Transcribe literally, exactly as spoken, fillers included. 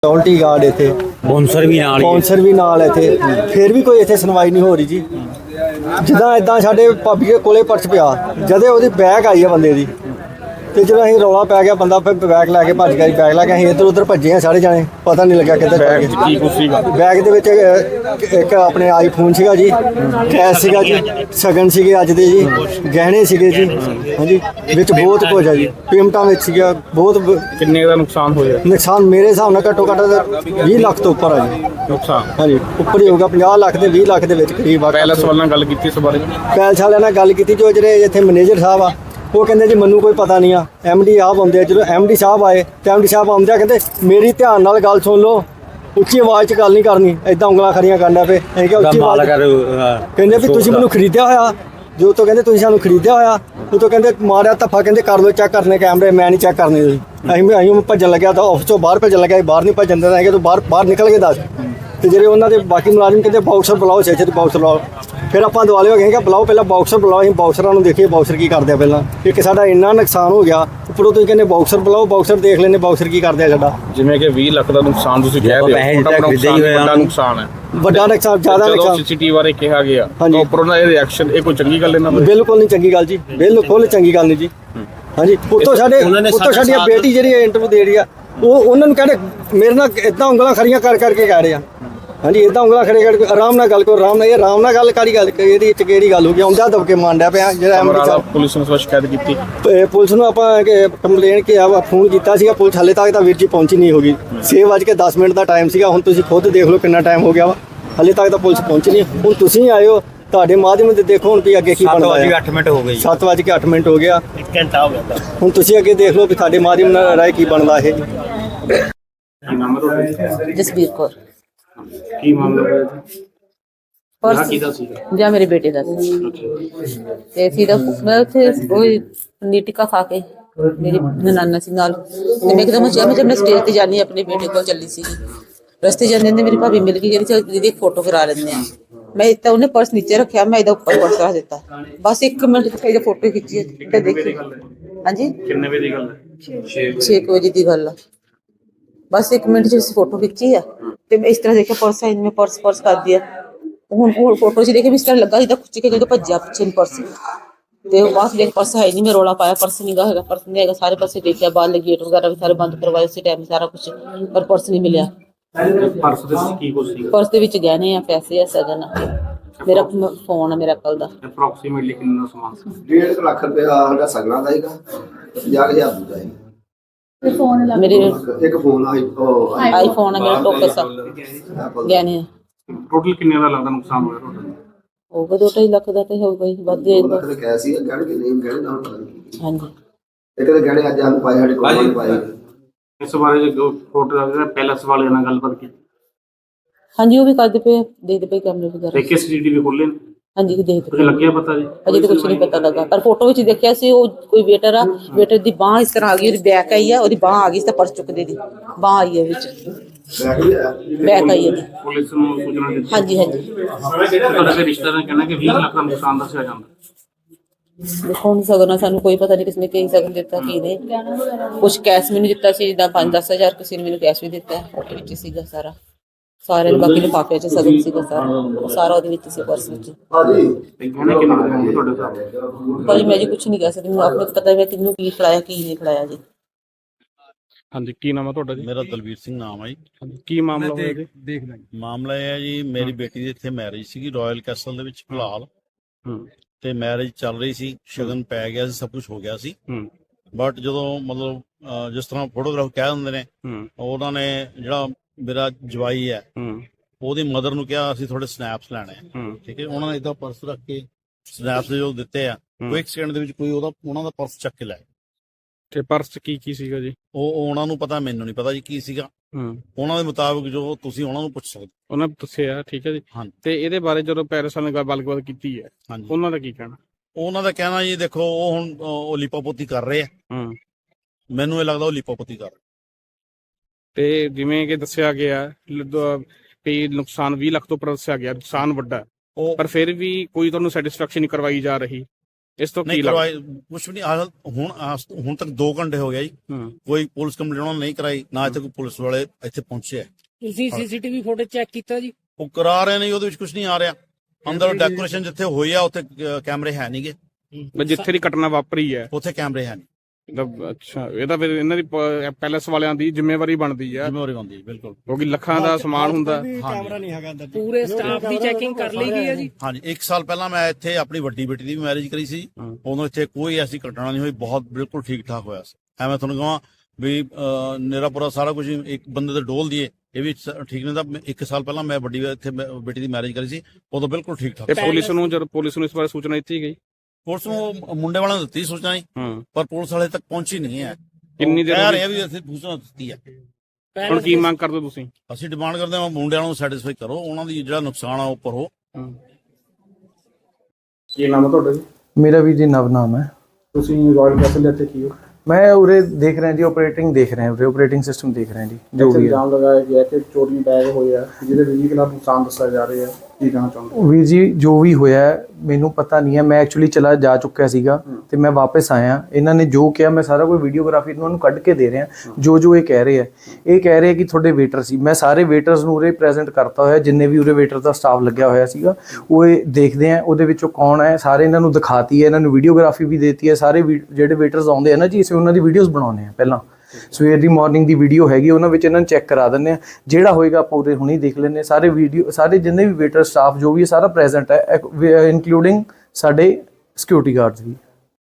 Security guard ਇੱਥੇ bouncer ਵੀ ਨਾਲ ਹੀ ਬੌਂਸਰ ਵੀ ਨਾਲ ਇੱਥੇ, ਫਿਰ ਵੀ ਕੋਈ ਇੱਥੇ ਸੁਣਵਾਈ ਨਹੀਂ ਹੋ ਰਹੀ ਜੀ। ਜਿੱਦਾਂ ਇਦਾਂ ਸਾਡੇ ਭਾਬੀ ਦੇ ਕੋਲੇ ਪਰਸ ਪਿਆ, ਜਦੇ ਉਹਦੀ ਬੈਗ ਆਈ ਆ ਬੰਦੇ ਦੀ, ਤੇ ਜਦੋਂ ਅਸੀਂ ਰੌਲਾ ਪੈ ਗਿਆ ਬੰਦਾ ਫਿਰ ਬੈਗ ਲੈ ਕੇ ਭੱਜ ਗਿਆ ਜੀ। ਬੈਗ ਲੈ ਕੇ ਅਸੀਂ ਇੱਧਰ ਉੱਧਰ ਭੱਜੇ ਆ ਸਾਰੇ ਜਾਣੇ, ਪਤਾ ਨਹੀਂ ਲੱਗਿਆ ਕਿੱਧਰ ਚਲੇ ਗਏ। ਕੀ ਕੁਛ ਸੀਗਾ ਬੈਗ ਦੇ ਵਿੱਚ ਇੱਕ ਇੱਕ ਆਪਣੇ ਆਈਫੋਨ ਸੀਗਾ ਜੀ, ਕੈਸ਼ ਸੀਗਾ ਜੀ, ਸ਼ਗਨ ਸੀਗੇ ਅੱਜ ਦੇ ਜੀ, ਗਹਿਣੇ ਸੀਗੇ ਜੀ, ਹਾਂਜੀ ਵਿੱਚ ਬਹੁਤ ਕੁਝ ਆ ਜੀ, ਪੇਮੈਂਟਾਂ ਵਿੱਚ ਸੀਗਾ ਬਹੁਤ। ਕਿੰਨੇ ਦਾ ਨੁਕਸਾਨ ਹੋਇਆ? ਨੁਕਸਾਨ ਮੇਰੇ ਹਿਸਾਬ ਨਾਲ ਘੱਟੋ ਘੱਟ ਵੀਹ ਲੱਖ ਤੋਂ ਉੱਪਰ ਆ ਜੀ ਨੁਕਸਾਨ। ਹਾਂਜੀ ਉੱਪਰ ਹੀ ਹੋਊਗਾ, ਪੰਜਾਹ ਲੱਖ ਦੇ ਵੀਹ ਲੱਖ ਦੇ ਵਿੱਚ ਕਰੀਬ ਆ। ਪੈਲਸ ਵਾਲਿਆਂ ਨਾਲ ਗੱਲ ਕੀਤੀ ਇਸ ਬਾਰੇ? ਪੈਲਸ ਵਾਲਿਆਂ ਨਾਲ ਗੱਲ ਕੀਤੀ, ਜੋ ਜਿਹੜੇ ਇੱਥੇ ਮੈਨੇਜਰ ਸਾਹਿਬ ਆ ਉਹ ਕਹਿੰਦੇ ਜੀ ਮੈਨੂੰ ਕੋਈ ਪਤਾ ਨਹੀਂ ਆ, ਐਮ ਡੀ ਆਪ ਆਉਂਦੇ ਆ। ਜਦੋਂ ਐਮ ਡੀ ਸਾਹਿਬ ਆਏ ਤੇ ਐਮ ਡੀ ਸਾਹਿਬ ਆਉਂਦੇ ਆ ਕਹਿੰਦੇ ਮੇਰੀ ਧਿਆਨ ਨਾਲ ਗੱਲ ਸੁਣ ਲਓ, ਉੱਚੀ ਆਵਾਜ਼ 'ਚ ਗੱਲ ਨਹੀਂ ਕਰਨੀ, ਐਦਾਂ ਉਂਗਲਾਂ ਖੜੀਆਂ ਕਰਨਾ ਪਏ। ਅਸੀਂ ਕਿਹਾ ਉੱਚੀ ਆਵਾਜ਼ ਕਹਿੰਦੇ ਵੀ ਤੁਸੀਂ ਮੈਨੂੰ ਖਰੀਦਿਆ ਹੋਇਆ, ਜੋ ਤੋਂ ਕਹਿੰਦੇ ਤੁਸੀਂ ਸਾਨੂੰ ਖਰੀਦਿਆ ਹੋਇਆ, ਉਹ ਤੋਂ ਕਹਿੰਦੇ ਮਾਰਿਆ ਧੱਫਾ, ਕਹਿੰਦੇ ਕਰ ਲਓ ਚੈੱਕ ਕਰਨੇ ਕੈਮਰੇ, ਮੈਂ ਨਹੀਂ ਚੈੱਕ ਕਰਨੇ। ਤੁਸੀਂ ਅਸੀਂ ਅਸੀਂ ਭੱਜਣ ਲੱਗਿਆ ਤਾਂ ਆਫਿਸ ਤੋਂ ਬਾਹਰ ਭੱਜਣ ਲੱਗਿਆ, ਬਾਹਰ ਨਹੀਂ ਭੱਜਣ ਦੇਣਾ ਹੈਗਾ, ਤੂੰ ਬਾਹਰ ਬਾਹਰ ਨਿਕਲ ਕੇ ਦੱਸ। ਤੇ ਜਿਹੜੇ ਉਹਨਾਂ ਦੇ ਬਾਕੀ ਮੁਲਾਜ਼ਮ ਕਹਿੰਦੇ ਬਾਕਸਰ ਬੁਲਾਓ, ਛੇ ਛੇ ਬਾਕਸਰ ਬੁਲਾਓ। ਫਿਰ ਆਪਾਂ ਦੁਆਲੇ ਹੋ ਗਏ ਕਿ ਬੁਲਾਓ ਪਹਿਲਾਂ ਬਾਕਸਰ ਬੁਲਾਓ, ਅਸੀਂ ਬਾਕਸਰਾਂ ਨੂੰ ਦੇਖੀਏ ਬਾਕਸਰ ਕੀ ਕਰਦੇ ਆ ਪਹਿਲਾਂ। ਇੱਕ ਸਾਡਾ ਇੰਨਾ ਨੁਕਸਾਨ ਹੋ ਗਿਆ, ਉੱਪਰੋਂ ਤੁਸੀਂ ਕਹਿੰਦੇ ਬਾਕਸਰ ਬੁਲਾਓ, ਬਾਕਸਰ ਦੇਖ ਲੈਂਦੇ ਬਾਕਸਰ ਕੀ ਕਰਦੇ ਆ ਸਾਡਾ। ਜਿਵੇਂ ਕਿ ਵੀਹ ਲੱਖ ਦਾ ਨੁਕਸਾਨ ਤੁਸੀਂ ਕਹਿ ਰਹੇ ਹੋ, ਵੱਡਾ ਨੁਕਸਾਨ ਹੈ, ਵੱਡਾ ਨੁਕਸਾਨ, ਜ਼ਿਆਦਾ ਨੁਕਸਾਨ। ਸੀਸੀਟੀਵੀ ਬਾਰੇ ਕਿਹਾ ਗਿਆ ਤਾਂ ਉੱਪਰ ਉਹਨਾਂ ਦਾ ਰਿਐਕਸ਼ਨ, ਇਹ ਕੋਈ ਚੰਗੀ ਗੱਲ ਇਹਨਾਂ ਦਾ? ਬਿਲਕੁਲ ਨਹੀਂ ਚੰਗੀ ਗੱਲ ਜੀ, ਬਿਲਕੁਲ ਚੰਗੀ ਗੱਲ ਨਹੀਂ ਜੀ। ਹਾਂਜੀ ਉੱਤੋਂ ਸਾਡੇ ਉੱਤੋਂ ਸਾਡੀ ਬੇਟੀ ਜਿਹੜੀ ਇੰਟਰਵਿਊ ਦੇ ਰਹੀ ਆ, ਉਹ ਉਹਨਾਂ ਨੂੰ ਕਹਿੰਦੇ ਮੇਰੇ ਨਾਲ ਇਦਾਂ ਉਂਗਲਾਂ ਖੜੀਆਂ ਕਰ ਕਰਕੇ ਕਹਿ ਰਹੇ ਆ। ਹਾਂਜੀ ਇਦਾਂ ਉਂਗਲਾਂ ਖੜੇ ਕਰਕੇ ਆਰਾਮ ਨਾਲ ਗੱਲ ਕਰੋ, ਆਰਾਮ ਨਾਲ। ਇਹ ਆਰਾਮ ਨਾਲ ਗੱਲ ਕਰੀ, ਗੱਲ ਇਹਦੀ ਵਿੱਚ ਕਿਹੜੀ ਗੱਲ ਹੋ ਗਈ? ਆਉਂਦਾ ਦਬਕੇ ਮਾਰਦਾ ਪਿਆ ਜਿਹੜਾ ਐਮ ਡੀ ਸਾਹਿਬ। ਪੁਲਿਸ ਨੂੰ ਸ਼ਿਕਾਇਤ ਕੀਤੀ? ਪੁਲਿਸ ਨੂੰ ਆਪਾਂ ਕੰਪਲੇਨ ਕਿ ਆ ਫੋਨ ਕੀਤਾ ਸੀਗਾ, ਪੁਲਿਸ ਹਾਲੇ ਤੱਕ ਤਾਂ ਵੀਰ ਜੀ ਪਹੁੰਚੀ ਨਹੀਂ ਹੋਗੀ। ਛੇ ਵੱਜ ਕੇ ਦਸ ਮਿੰਟ ਦਾ ਟਾਈਮ ਸੀਗਾ, ਹੁਣ ਤੁਸੀਂ ਖੁਦ ਦੇਖ ਲਓ ਕਿੰਨਾ ਟਾਈਮ ਹੋ ਗਿਆ ਵਾ, ਹਾਲੇ ਤੱਕ ਤਾਂ ਪੁਲਿਸ ਪਹੁੰਚੀ ਨਹੀਂ। ਹੁਣ ਤੁਸੀਂ ਆਏ ਹੋ, ਤੁਹਾਡੇ ਮਾਧਿਅਮ ਤੇ ਦੇਖੋ ਹੁਣ ਵੀ ਅੱਗੇ ਕੀ ਬਣਦਾ ਹੈ। ਅੱਠ ਮਿੰਟ ਹੋ ਗਏ, ਸੱਤ ਵੱਜ ਕੇ ਅੱਠ ਮਿੰਟ ਹੋ ਗਿਆ, ਇੱਕ ਘੰਟਾ ਹੋ ਗਿਆ। ਹੁਣ ਤੁਸੀਂ ਅੱਗੇ ਦੇਖ ਲਓ ਵੀ ਤੁਹਾਡੇ ਮਾਧਿਅਮ ਨਾਲ ਰਾਏ ਕੀ ਬਣਦਾ ਇਹ। ਕੀ ਨਾਮ ਹੈ ਤੁਹਾਡਾ? ਜਸਬੀਰ ਕੌਰ। ਕੀ ਮਾਮਲਾ ਹੋਇਆ ਜੀ? ਪਰਸ ਕਿਹਦਾ ਸੀਗਾ? ਜਾਂ ਮੇਰੇ ਬੇਟੇ ਦਾ ਸੀ। ਤੇ ਅਸੀਂ ਤਾਂ ਮੈਂ ਉੱਥੇ ਉਹ ਪਨੀਰ ਟਿੱਕਾ ਖਾ ਕੇ ਮੇਰੀ ਨਨਾਨਾ ਸੀ ਨਾਲ, ਤੇ ਮੈਂ ਇੱਕਦਮ ਚਾਹ ਮੈਂ ਜਦ ਮੈਂ ਸਟੇਜ ਤੇ ਜਾਣੀ ਆਪਣੇ ਬੇਟੇ ਕੋਲ ਚੱਲੀ ਸੀ, ਰਸਤੇ ਜਾਂਦੇ ਨੇ ਮੇਰੀ ਭਾਬੀ ਮਿਲ ਗਈ, ਜਿਹੜੀ ਚਲ ਦੀਦੀ ਇੱਕ ਫੋਟੋ ਕਰਾ ਲੈਂਦੇ ਆ। ਮੈਂ ਤਾਂ ਉਹਨੇ ਪਰਸ ਨੀਚੇ ਰੱਖਿਆ, ਮੈਂ ਇਹਦਾ ਉੱਪਰ ਪਰਸ ਰੱਖ ਦਿੱਤਾ, ਬਸ ਇੱਕ ਮਿੰਟ ਚ ਇਹਦੀ ਫੋਟੋ ਖਿੱਚੀ ਤੇ ਦੇਖੀ। ਹਾਂਜੀ ਕਿੰਨੇ ਵਜੇ ਦੀ ਗੱਲ ਹੈ? ਛੇ ਕੁ ਵਜੇ ਦੀ ਗੱਲ ਆ, ਬਸ ਇੱਕ ਮਿੰਟ ਚ ਅਸੀਂ ਫੋਟੋ ਖਿੱਚੀ ਆ। ਤੇ ਮੈਂ ਇਸ ਤਰ੍ਹਾਂ ਦੇਖਿਆ ਪਰਸ ਹੈ, ਮੈਂ ਪਰਸ ਪਰਸ ਕਰ ਦਿਆ। ਹੁਣ ਉਹ ਫੋਟੋ 'ਚ ਦੇਖੇ ਵੀ ਇਸ ਤਰ੍ਹਾਂ ਲੱਗਾ ਜਿੱਦਾਂ ਖੁੱਚ ਕੇ ਜਦੋਂ ਭੱਜਿਆ ਪਿੱਛੇ ਨੂੰ ਪਰਸ, ਤੇ ਉਹ ਬਾਅਦ ਦੇਖ ਪਰਸ ਹੈ ਨਹੀਂ। ਮੈਂ ਰੌਲਾ ਪਾਇਆ ਪਰਸ ਨਹੀਂ ਗਾ ਹੈਗਾ, ਪਰਸ ਨਹੀਂ ਹੈਗਾ। ਸਾਰੇ ਪਾਸੇ ਦੇਖਿਆ, ਬਾਹਰ ਗੇਟ ਵਗੈਰਾ ਵੀ ਸਾਰੇ ਬੰਦ ਕਰਵਾਏ ਉਸੇ ਟਾਈਮ, ਸਾਰਾ ਕੁਝ, ਪਰ ਪਰਸ ਨਹੀਂ ਮਿਲਿਆ। ਪਰਸ ਦੇ ਵਿੱਚ ਕੀ ਕੁਛ ਸੀ? ਪਰਸ ਦੇ ਵਿੱਚ ਗਹਿਣੇ ਆ, ਪੈਸੇ ਆ, ਸਗਨ ਆ, ਮੇਰਾ ਫੋਨ ਆ, ਮੇਰਾ ਕੱਲ ਦਾ। ਅਪਰੋਕਸੀਮੇਟਲੀ ਕਿੰਨਾ ਸਮਾਨ ਸੀ? ਡੇਢ ਲੱਖ ਰੁਪਇਆ ਸਾਡਾ ਸਗਣਾ ਦਾ ਹੈਗਾ, ਪੰਜਾਹ ਹਜ਼ਾਰ ਦਾ ਹੈਗਾ। ਮੇਰੇ ਇੱਕ ਫੋਨ ਆਈ ਉਹ ਆਈਫੋਨ ਆ, ਮੇਰਾ ਟੋਕਸ ਆ, ਗਹਿਣੇ ਆ। ਟੋਟਲ ਕਿੰਨੇ ਦਾ ਲੱਗਦਾ ਨੁਕਸਾਨ ਹੋਇਆ ਤੁਹਾਡਾ? ਹੋਊਗਾ ਦੋ ਢਾਈ ਲੱਖ ਦਾ ਤੇ ਹੋਊਗਾ ਹੀ, ਵੱਧ ਜਾਏਗਾ। ਲੱਖ ਦਾ ਕੈਸ਼ ਸੀ, ਗਹਿਣੇ ਕਿ ਨਹੀਂ ਗਹਿਣੇ ਨਾਲ ਪਤਾ ਨਹੀਂ। ਹਾਂਜੀ ਇੱਕ ਤਾਂ ਗਹਿਣੇ ਅੱਜ ਸਾਨੂੰ ਪਾਏ, ਸਾਡੇ ਕੋਲ ਨਹੀਂ ਪਾਏ। ਇਸ ਬਾਰੇ ਜੋ ਫੋਟੋ ਦਾ ਪੈਲਸ ਵਾਲਿਆਂ ਨਾਲ ਗੱਲਬਾਤ ਕੀਤੀ? ਹਾਂਜੀ ਉਹ ਵੀ ਕਰਦੇ ਪਏ, ਦੇਖਦੇ ਪਏ ਕੈਮਰੇ ਵਗੈਰਾ। ਦੇਖੇ ਸੀਸੀਟੀਵੀ ਖੋਲੇ? ਹਾਂਜੀ ਦੇਖਦੇ ਕੁਝ ਲੱਗਿਆ ਪਤਾ ਜੀ? ਅਜੇ ਤਾਂ ਕੁਝ ਨਹੀਂ ਪਤਾ ਲੱਗਾ, ਪਰ ਫੋਟੋ ਵਿੱਚ ਦੇਖਿਆ ਸੀ ਉਹ ਕੋਈ ਵੇਟਰ ਆ, ਵੇਟਰ ਦੀ ਬਾਹ ਇਸ ਤਰ੍ਹਾਂ ਆ ਗਈ, ਉਹਦੀ ਬੈਕ ਆਈ ਆ, ਉਹਦੀ ਬਾਹ ਆ ਗਈ ਤਾਂ ਪਰਸ ਚੁੱਕਦੇ ਦੀ ਬਾਹ ਆਈ ਹੈ ਵਿੱਚ, ਬੈਕ ਆਈ ਹੈ। ਪੁਲਿਸ ਨੂੰ ਸੂਚਨਾ ਦਿੱਤੀ? ਹਾਂਜੀ ਹਾਂਜੀ ਤੁਹਾਡੇ ਰਿਸ਼ਤੇਦਾਰਾਂ ਨੇ ਕਹਿਣਾ ਕਿ ਵੀਹ ਲੱਖ ਦਾ ਨੁਕਸਾਨ ਦੱਸਿਆ ਜਾਂਦਾ। ਦੇਖੋ ਹੁਣ ਸਗਨ ਸਾਨੂੰ ਕੋਈ ਪਤਾ ਨਹੀਂ ਕਿਸਨੇ ਕੀ ਸਗਨ ਦਿੱਤਾ ਕੀ ਨਹੀਂ। ਕੁਛ ਕੈਸ਼ ਮੈਨੂੰ ਦਿੱਤਾ ਸੀ, ਜਿੱਦਾਂ ਪੰਜ ਦਸ ਹਜ਼ਾਰ ਕਿਸੇ ਨੇ ਮੈਨੂੰ ਕੈਸ਼ ਵੀ ਦਿੱਤਾ, ਉਹਦੇ ਵਿੱਚ ਸੀਗਾ ਸਾਰਾ, ਸਾਰੇ ਬਾਕੀ ਲਿਫਾਫੇ 'ਚ ਸਗਨ ਸੀਗਾ ਸਾਰਾ, ਸਾਰਾ ਉਹਦੇ ਵਿੱਚ ਸੀ ਪਰਸ ਵਿੱਚ। ਹਾਂਜੀ ਗਹਿਣੇ ਕਿੰਨੇ ਦੇ ਹੋਣਗੇ ਤੁਹਾਡੇ ਹਿਸਾਬ? ਭਾਜੀ ਮੈਂ ਜੀ ਕੁਛ ਨਹੀਂ ਕਹਿ ਸਕਦੀ, ਮੈਨੂੰ ਆਪਣੇ ਪਤਾ ਹੈ ਕਿਹਨੂੰ ਕੀ ਖਿਲਾਇਆ ਕੀ ਨਹੀਂ ਖਿਲਾਇਆ ਜੀ। ਹਾਂਜੀ ਕੀ ਨਾਮ ਹੈ ਤੁਹਾਡਾ ਜੀ? ਮੇਰਾ ਦਲਵੀਰ ਸਿੰਘ ਨਾਮ ਹੈ ਜੀ। ਕੀ ਮਾਮਲਾ ਹੋਇਆ ਜੀ? ਮਾਮਲਾ ਇਹ ਹੈ ਜੀ, ਮੇਰੀ ਬੇਟੀ ਦੀ ਇੱਥੇ ਮੈਰਿਜ ਸੀਗੀ ਰਾਇਲ ਕੈਸਲ ਦੇ ਵਿੱਚ ਫਿਲਹਾਲ, ਹੂੰ ਤੇ ਮੈਰਿਜ ਚੱਲ ਰਹੀ ਸੀ, ਸ਼ਗਨ ਪੈ ਗਿਆ ਸੀ, ਸਭ ਕੁਝ ਹੋ ਗਿਆ ਸੀ। ਹੂੰ ਬਟ ਜਦੋਂ ਮਤਲਬ ਅਹ, ਜਿਸ ਤਰ੍ਹਾਂ ਫੋਟੋਗ੍ਰਾਫ ਕਹਿ ਦਿੰਦੇ ਨੇ, ਹੂੰ ਉਹਨਾਂ ਨੇ ਜਿਹੜਾ ਮੇਰਾ ਜਵਾਈ ਹੈ ਹੂੰ ਉਹਦੀ ਮਦਰ ਨੂੰ ਕਿਹਾ ਅਸੀਂ ਥੋੜੇ ਸਨੈਪਸ ਲੈਣੇ ਆ, ਹੂੰ ਠੀਕ ਹੈ। ਉਹਨਾਂ ਨੇ ਏਦਾਂ ਪਰਸ ਰੱਖ ਕੇ ਸਨੈਪਸ ਜੋ ਦਿੱਤੇ ਆ, ਉਹ ਇੱਕ ਸੈਕਿੰਡ ਦੇ ਵਿੱਚ ਕੋਈ ਉਹਦਾ ਉਹਨਾਂ ਦਾ ਪਰਸ ਚੱਕ ਕੇ ਲੈ ਗਿਆ। ਤੇ ਪਰਸ 'ਚ ਕੀ ਕੀ ਸੀਗਾ ਜੀ? ਉਹ ਉਹ ਉਹਨਾਂ ਨੂੰ ਪਤਾ, ਮੈਨੂੰ ਨਹੀਂ ਪਤਾ ਜੀ ਕੀ ਸੀਗਾ। ਹੂੰ ਉਹਨਾਂ ਦੇ ਮੁਤਾਬਕ ਜੋ ਤੁਸੀਂ ਉਹਨਾਂ ਨੂੰ ਪੁੱਛ ਸਕਦੇ। ਉਹਨਾਂ ਨੇ ਦੱਸਿਆ, ਠੀਕ ਹੈ ਜੀ। ਹਾਂਜੀ। ਤੇ ਇਹਦੇ ਬਾਰੇ ਜਦੋਂ ਪੈਰਿਸ ਵਾਲਿਆਂ ਨਾਲ ਗੱਲਬਾਤ ਕੀਤੀ ਹੈ, ਹਾਂਜੀ, ਉਹਨਾਂ ਦਾ ਕੀ ਕਹਿਣਾ? ਉਹਨਾਂ ਦਾ ਕਹਿਣਾ ਜੀ ਦੇਖੋ ਉਹ ਹੁਣ ਉਹ ਲਿਪੋਪੋਤੀ ਕਰ ਰਹੇ ਆ। ਹੂੰ ਮੈਨੂੰ ਇਹ ਲੱਗਦਾ ਉਹ ਲਿਪੋਪੋਤੀ ਕਰ ਰਹੇ। ਤੇ ਜਿਵੇਂ ਕਿ ਦੱਸਿਆ ਗਿਆ ਵੀ ਨੁਕਸਾਨ ਵੀਹ ਲੱਖ ਤੋਂ ਉੱਪਰ ਦੱਸਿਆ ਗਿਆ, ਨੁਕਸਾਨ ਵੱਡਾ, ਉਹ ਪਰ ਫਿਰ ਵੀ ਕੋਈ ਤੁਹਾਨੂੰ ਸੈਟੀਸਫੈਕਸ਼ਨ ਨਹੀਂ ਕਰਵਾਈ ਜਾ ਰਹੀ। ਇਸ ਤੋਂ ਕੀ ਨਹੀਂ ਲੱਗਦਾ? ਕਰਵਾਈ ਕੁਛ ਵੀ ਨਹੀਂ ਹਾਲ ਹੁਣ ਆਸ- ਹੁਣ ਤੱਕ ਦੋ ਘੰਟੇ ਹੋ ਗਿਆ ਜੀ ਹੂੰ ਕੋਈ ਪੁਲਿਸ ਕੰਪਲੇਂਟ ਉਹਨਾਂ ਨੇ ਨਹੀਂ ਕਰਾਈ ਨਾ ਇੱਥੇ ਕੋਈ ਪੁਲਿਸ ਵਾਲੇ ਇੱਥੇ ਪਹੁੰਚੇ ਆ। ਤੁਸੀਂ ਸੀਸੀਟੀਵੀ ਫੁਟੇਜ ਚੈੱਕ ਕੀਤਾ ਜੀ? ਉਹ ਕਰਾ ਰਹੇ ਨੇ ਉਹਦੇ ਵਿੱਚ ਕੁਝ ਨਹੀਂ ਆ ਰਿਹਾ ਅੰਦਰ ਡੈਕੋਰੇਸ਼ਨ ਜਿੱਥੇ ਹੋਈ ਆ ਉੱਥੇ ਕ- ਕੈਮਰੇ ਹੈ ਨਹੀਂਗੇ ਵੀ ਜਿੱਥੇ ਦੀ ਘਟਨਾ ਵਾਪਰੀ ਹੈ ਉੱਥੇ ਕੈਮਰੇ ਹੈ ਨਹੀਂ ਮਤਲਬ ਅੱਛਾ ਇਹ ਤਾਂ ਫਿਰ ਇਹਨਾਂ ਦੀ ਪ- ਪੈਲਸ ਵਾਲਿਆਂ ਦੀ ਜ਼ਿੰਮੇਵਾਰੀ ਬਣਦੀ ਹੈ ਜ਼ਿੰਮੇਵਾਰੀ ਬਣਦੀ ਹੈ ਬਿਲਕੁਲ। ਕਿਉਂਕਿ ਲੱਖਾਂ ਦਾ ਸਮਾਨ ਹੁੰਦਾ। ਕੈਮਰਾ ਨਹੀਂ ਹੈਗਾ ਅੰਦਰ ਪੂਰੇ ਸਟਾਫ ਦੀ ਚੈਕਿੰਗ ਕਰ ਲਈ ਗਈ ਹੈ ਜੀ? ਹਾਂਜੀ ਇੱਕ ਸਾਲ ਪਹਿਲਾਂ ਮੈਂ ਇੱਥੇ ਆਪਣੀ ਵੱਡੀ ਬੇਟੀ ਦੀ ਵੀ ਮੈਰਿਜ ਕਰੀ ਸੀ ਹਾਂ। ਉਦੋਂ ਇੱਥੇ ਕੋਈ ਐਸੀ ਘਟਨਾ ਨਹੀਂ ਹੋਈ ਬਹੁਤ ਬਿਲਕੁਲ ਠੀਕ ਠਾਕ ਹੋਇਆ ਸੀ। ਐਵੇਂ ਤੁਹਾਨੂੰ ਕਹਾਂ ਵੀ ਅਹ, ਮੇਰਾ ਪੂਰਾ ਸਾਰਾ ਕੁਝ ਇੱਕ ਬੰਦੇ ਤੇ ਡੋਲ ਦੀਏ ਇਹ ਵੀ ਸ- ਠੀਕ ਨਹੀਂ ਤਾਂ ਮੈਂ- ਇੱਕ ਸਾਲ ਪਹਿਲਾਂ ਮੈਂ ਵੱਡੀ ਇੱਥੇ ਮੈਂ ਬੇਟੀ ਦੀ ਮੈਰਿਜ ਕਰੀ ਸੀ ਉਦੋਂ ਬਿਲਕੁਲ ਠੀਕ ਠਾਕ ਤੇ ਸੀ। ਪੁਲਿਸ ਨੂੰ ਜਦ ਪੁਲਿਸ ਨੂੰ ਇਸ ਬਾਰੇ ਸੂਚਨਾ ਦਿੱਤੀ ਗਈ? ਪੁਲਿਸ ਨੂੰ ਉਹ ਮੁੰਡੇ ਵਾਲਿਆਂ ਨੇ ਦਿੱਤੀ ਸੂਚਨਾ ਜੀ ਹਾਂ ਪਰ ਪੁਲਿਸ ਵਾਲੇ ਤੱਕ ਪਹੁੰਚੀ ਨਹੀਂ ਹੈ। ਕਿੰਨੀ ਦੇਰ ਕਹਿ ਹੋ ਰਹੇ ਗਈ? ਆ ਵੀ ਅਸੀਂ ਸੂਚਨਾ ਦਿੱਤੀ ਹੈ। ਹੁਣ ਕੀ ਮੰਗ ਕਰਦੇ ਹੋ ਤੁਸੀਂ? ਅਸੀਂ ਡਿਮਾਂਡ ਕਰਦੇ ਹਾਂ ਮੁੰਡਿਆਂ ਨੂੰ ਸੈਟੀਸਫਾਈ ਕਰੋ ਉਹਨਾਂ ਦੀ ਜਿਹੜਾ ਨੁਕਸਾਨ ਆ ਉਹ ਭਰੋ। ਕੀ ਨਾਮ ਹੈ ਤੁਹਾਡਾ ਜੀ? ਮੇਰਾ ਵੀ ਜੀ ਨਵ ਨਾਮ ਹੈ। ਤੁਸੀਂ ਰਾਇਲ ਕੈਸਲ ਇੱਥੇ ਕੀ ਹੋ? ਮੈਂ ਉਰੇ ਦੇਖ ਰਿਹਾ ਜੀ ਆਪਰੇਟਿੰਗ ਦੇਖ ਰਹੇ ਹਾਂ ਉਰੇ ਆਪਰੇਟਿੰਗ ਸਿਸਟਮ ਦੇਖ ਰਹੇ ਹਾਂ ਜੀ ਜੋ ਵੀ ਹੈ। ਇਲਜ਼ਾਮ ਲਗਾਇਆ ਗਿਆ ਕਿ ਚੋਰੀ ਬੈਗ ਹੋਏ ਆ ਜਿਹਦੇ ਵੀਹ ਖਿਲਾਫ ਨੁਕਸਾਨ ਦੱਸਿਆ ਜਾ ਰਿਹਾ ਹੈ ਕੀ ਕਹਿਣਾ ਚਾਹੁੰਦੇ? ਵੀਰ ਜੀ ਜੋ ਵੀ ਹੋਇਆ ਹੈ, ਮੈਨੂੰ ਪਤਾ ਨਹੀਂ ਹੈ। ਮੈਂ ਐਕਚੁਅਲੀ ਚਲਾ ਜਾ ਚੁੱਕਿਆ ਸੀਗਾ ਤੇ ਮੈਂ ਵਾਪਸ ਆਇਆ। ਇਹਨਾਂ ਨੇ ਜੋ ਕਿਹਾ ਮੈਂ ਸਾਰਾ ਕੋਈ ਵੀਡੀਓਗ੍ਰਾਫੀ ਉਹਨਾਂ ਨੂੰ ਕੱਢ ਕੇ ਦੇ ਰਿਹਾ ਜੋ ਜੋ ਇਹ ਕਹਿ ਰਹੇ ਆ। ਇਹ ਕਹਿ ਰਹੇ ਕਿ ਤੁਹਾਡੇ ਵੇਟਰ ਸੀ। ਮੈਂ ਸਾਰੇ ਵੇਟਰਸ ਨੂੰ ਉਰੇ ਪ੍ਰੈਜ਼ੈਂਟ ਕਰਤਾ ਹੋਇਆ ਜਿੰਨੇ ਵੀ ਉਰੇ ਵੇਟਰ ਦਾ ਸਟਾਫ ਲੱਗਿਆ ਹੋਇਆ ਸੀਗਾ ਉਹ ਇਹ ਦੇਖਦੇ ਆ ਉਹਦੇ ਵਿੱਚੋਂ ਕੌਣ ਹੈ ਸਾਰੇ ਇਹਨਾਂ ਨੂੰ ਦਿਖਾਤੀ ਹੈ ਇਹਨਾਂ ਨੂੰ ਵੀਡੀਓਗ੍ਰਾਫੀ ਵੀ ਦੇਤੀ ਹੈ। ਸਾਰੇ ਵੀ- ਜਿਹੜੇ ਵੇਟਰਸ ਆਉਂਦੇ ਆ ਨਾ ਜੀ ਅਸੀਂ ਉਹਨਾਂ ਦੀ ਵੀਡੀਓਜ਼ ਬਣਾਉਂਦੇ ਆ ਪਹਿਲਾਂ ਸਵੇਰ ਦੀ ਮਾਰਨਿੰਗ ਦੀ ਵੀਡੀਓ ਹੈਗੀ ਉਹਨਾਂ ਵਿੱਚ ਇਹਨਾਂ ਨੂੰ ਚੈੱਕ ਕਰਾ ਦਿੰਦੇ ਆ ਜਿਹੜਾ ਹੋਏਗਾ ਆਪਾਂ ਉਰੇ ਹੁਣੇ ਦੇਖ ਲੈਂਦੇ ਹਾਂ। ਸਾਰੇ ਵੀਡੀਓ ਸਾਰੇ ਜਿੰਨੇ ਵੀ ਵੇਟਰ ਸਟਾਫ ਜੋ ਵੀ ਹੈ ਸਾਰਾ ਪ੍ਰੈਜ਼ੈਂਟ ਹੈ ਇਨਕਲੂਡਿੰਗ ਸਾਡੇ ਸਿਕਿਉਰਿਟੀ ਗਾਰਡਸ ਵੀ।